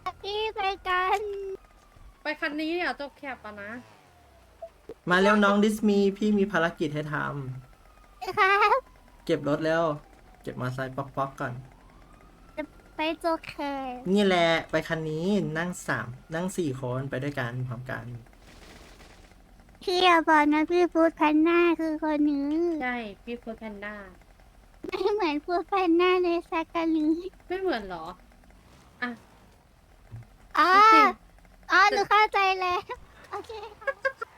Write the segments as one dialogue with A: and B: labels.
A: พี่ไปกัน
B: ไปคันนี้เนี่ยจบแคปอะนะ
C: มาเร็วน้องดิสมีพี่มีภารกิจให้ท
A: ครับ
C: ำเก็บรถแล้วเก็บมอเตอร์ไซค์ป๊อกๆก่อน
A: จะไปโจเค
C: นี่แหละไปคันนี้นั่งนั่ง4 คนไปด้วยกันพร้อมกัน
A: พี่อย่าบอกนะพี่ฟูดแพนด้าคือคนนี้
B: ใช่พี่ฟูดแพนด้า
A: ไม่เหมือนฟูดแพนด้าในสักกันเลย
B: ไม่เหมือนเหรอ อ่ะ
A: อ๋อ
B: จริง
A: อ๋อหนูเข้าใจแล้วโอเคค่ะ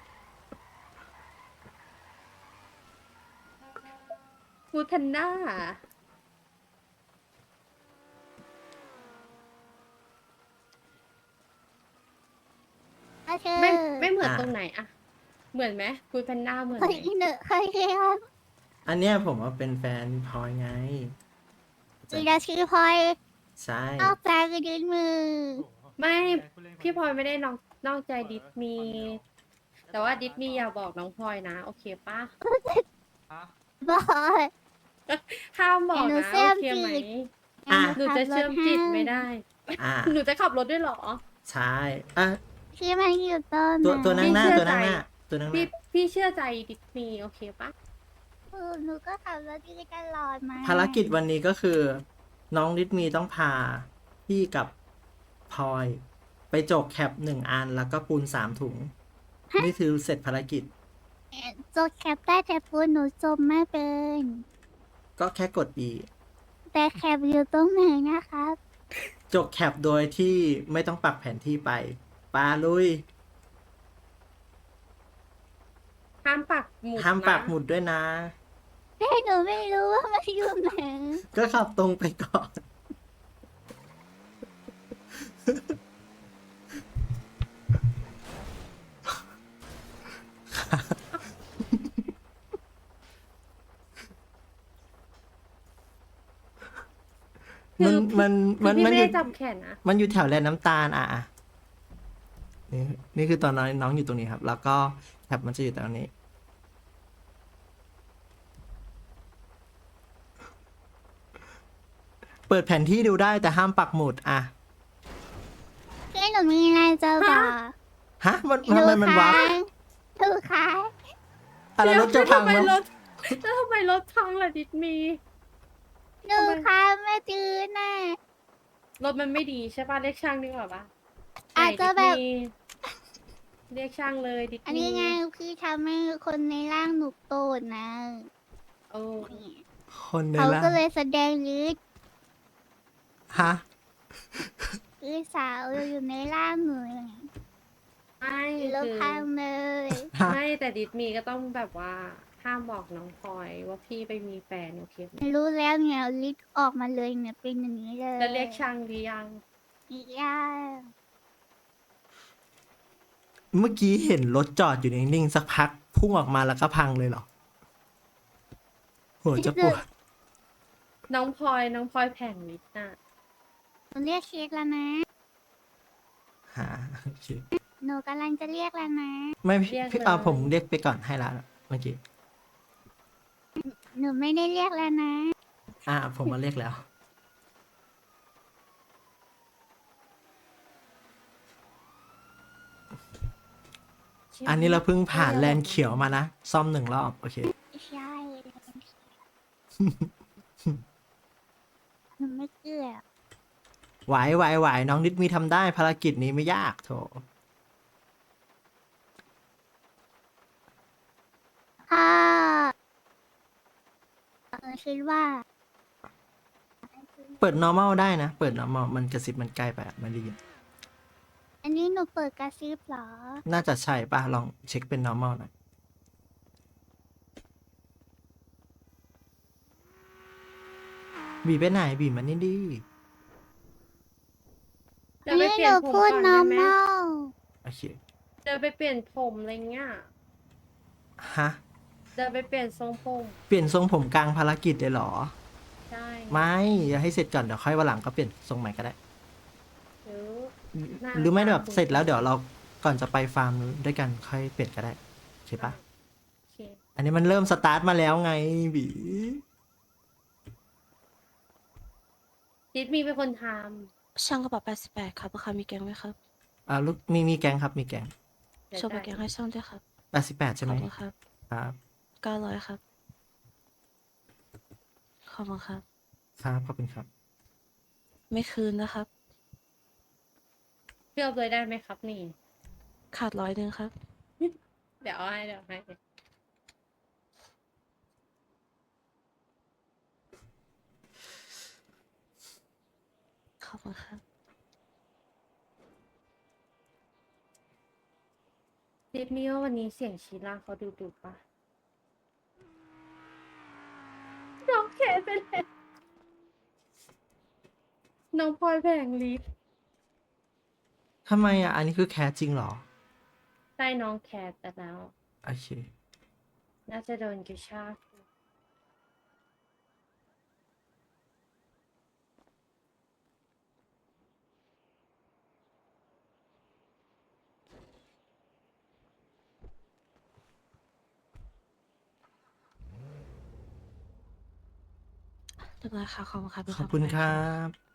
B: ฟูดแพนด้า
A: โอเค
B: ไม่เหมือน
C: อ่ะ
B: ตรงไหนอะเหมือนไหมฟูดแพนด้าเหมือน
A: เค
B: ไห
A: ย
B: ม
A: หนูเคยครับ
C: อันเนี้ยผมว่าเป็นแฟนพลอยไง
A: มีดาชื่อพลอย
C: ใช่
A: ออกจากกระดินมือ
B: ไม่พี่พลอยไม่ได้นอกใจดิสมี แต่ว่าดิสมีอย่าบอกน้องพลอยนะ โอเคปะ
A: บอก
B: ห้ามบอก
A: หนู
B: นะ
A: เชื่
B: โอ
A: อม
B: เคไหม
A: จิต
C: อ่ะ
B: หนูจะเชื่อมจิตไม่ได้
C: อ่ะ
B: หนูจะขับรถด้วยเหรอ
C: ใช่อ่ะ
A: พี่มันอยู่ต้น
C: ตัวนั่งหน้า
B: พี่เชื่
C: ตัว
B: อ
C: นั่งหน้า
B: ใจ
C: ตัวนั่งห
B: พี่
C: น้า
B: พี่เชื่อใจดิสมีโอเคปะ
A: หนูก็ขับรถดีตลอดมา
C: ภารกิจวันนี้ก็คือ น้องดิสมีต้องพาพี่กับพลอย ไปจกแคป1 อันแล้วก็ปูน3 ถุง นี่คือเสร็จภารกิจ
A: โจกแคปได้แต่พูดหนูจมไม่เป็น
C: ก็แค่กด E
A: แต่แคปอยู่ตรงไหนนะครับ
C: จกแคปโดยที่ไม่ต้องปักแผนที่ไปปาลุย
B: ห้ามปักหมุด
C: ห้ามปัก
B: นะ
C: หมุดด้วยนะ
A: แต่หนูไม่รู้ว่ามันอยู่ไหน
C: ก็ขับตรงไปก่อน
B: คือ
C: มัน
B: พี่
C: มัน
B: ไม่
C: อยู่
B: ได้จับแขนนะ
C: มันอยู่แถวแลน้ำตาลอ่ะนี่คือตอนน้องอยู่ตรงนี้ครับ แล้วก็แคปมันจะอยู่ตรงนี้ เปิดแผนที่ดูได้แต่ห้ามปักหมุดอ่ะ
A: พี่หนูมีอะไรจะบอก
C: ฮะมันทำไมมันวับ
A: ถูกค่ะ
C: อะไรรถจะพัง
B: ทำไม
C: แล้ว
B: รถแล้วทำไมรถพังล่ะดิสมี
A: หนูค่ะไม่จืดน่ะ
B: รถมันไม่ดีใช่ป่ะเรียกช่างดีกว่าปะ
A: อาจจะแบบ
B: ไหนดิสมีเรียกช่างเลยดิสมี
A: อันนี้ไงพี่ทำให้คนในร่างหนูโกรธนะ
B: โอ้
C: คนใน
A: เขา
C: ละ
A: ก็เลยแสดงฤทธิ์
C: ฮะ
A: คือสาวอยู่ในร่างหนู
B: ไม่
A: แล้ว
B: คือ
A: พังเลย
B: ไม่แต่ดิสมีก็ต้องแบบว่าห้ามบอกน้องพลอยว่าพี่ไปมีแฟนโอเคไหม
A: รู้แล้วเนี่ยฤทธิ์ออกมาเลยเนี่ยเป็นอย่างนี้เลย
B: แล้วเรียกช่างหรือยัง
A: อีกอย่าง
C: เมื่อกี้เห็นรถจอดอยู่นิ่งๆสักพักพุ่งออกมาแล้วก็พังเลยเหรอโหจะปวด
B: น้องพลอยแผงลิตน่ะ
A: หนูเรียกเช็คแล้วนะ
C: หาโอเค
A: หนูกำลังจะเรียกแล้วนะ
C: ไม่พี่เอาผมเรียกไปก่อนให้ละเมื่อกี้
A: หนูไม่ได้เรียกแล้วนะ
C: ผมมาเรียกแล้ว อันนี้เราเพิ่งผ่านแลนด์เขียวมานะ ซ่อม1 รอบ โอเค
A: ใช่หนูไม่เกลือ
C: ไหวน้องนิดมีทำได้ภารกิจนี้ไม่ยากโถ
A: พ่อคิดว่า
C: เปิด normal ได้นะ เปิด normal มันกระซิบมันใกล้ไปอะไม่ได้ยิน
A: อันนี้หนูเปิดกระซิบเหรอ
C: น่าจะใช่ป่ะ ลองเช็คเป็น normal หน่อยบีไปไหนบีมันนี่ดี
B: เดี๋ยวไป
A: นี่
B: เป
A: ห
B: ลี่ย
A: นู
B: นผม
A: พู
B: ก่อ
A: ด
B: นได้ไหม
A: normal
C: โอเค
B: เดี๋ยวไปเปลี่ยนผมอะไรเงี้ย
C: ฮะ
B: เดี๋ยวไปเปลี่ยนทรงผม
C: เปลี่ยนทรงผมกลางภารกิจเลยเหรอ
B: ใช่
C: ไม่อย่าให้เสร็จก่อน เดี๋ยวค่อยวันหลังก็เปลี่ยนทรงใหม่ก็ได้
B: หน้า
C: หรือไม่แบบ
B: ตา
C: เสร็จแล้วเดี๋ยวเราก่อนจะไปฟาร์มด้วยกันค่อยเปลี่ยนก็ได้โอเคปะ
B: โอเค
C: อันนี้มันเริ่มสตาร์ทมาแล้วไงบี
B: ดิสมีเป็นคนท
D: ช่างกระเป๋า88ครับราคามีแกงไหมครับ
C: ลูกมีแก๊งครับมีแก๊ง
B: เดี๋ยว
D: โชว์บัตรแกงให้ช่างด้วยครับ
C: 88ใช่
D: ข
C: ไห
D: อ
C: ม
D: บคุณครับ
C: ครับ
D: 900ครับ ขอบคุณครับ
C: ครับขอบคุณครับ
D: ไม่คืนนะครับ
B: เชื่อเลยได้ไหมครับนี่
D: ขาด100ครับ
B: เดี๋ยวเอาให้เดี๋ยวให้
D: ขอบคุณครับ
B: ดิดมีว่าวันนี้เสียงชีล่าเขาดุปะน้องแคร์ไปแล้วน้องพลอยแผงลิฟ
C: ทำไมอ่ะ อันนี้คือแคสจริงเหรอ
B: ได้น้องแคร์ไปแล้ว
C: โอเค
B: น่าจะโดนกระชาก
D: เรียบร้อยค่ะ ขอบคุณครับ
C: ขอบคุณครับ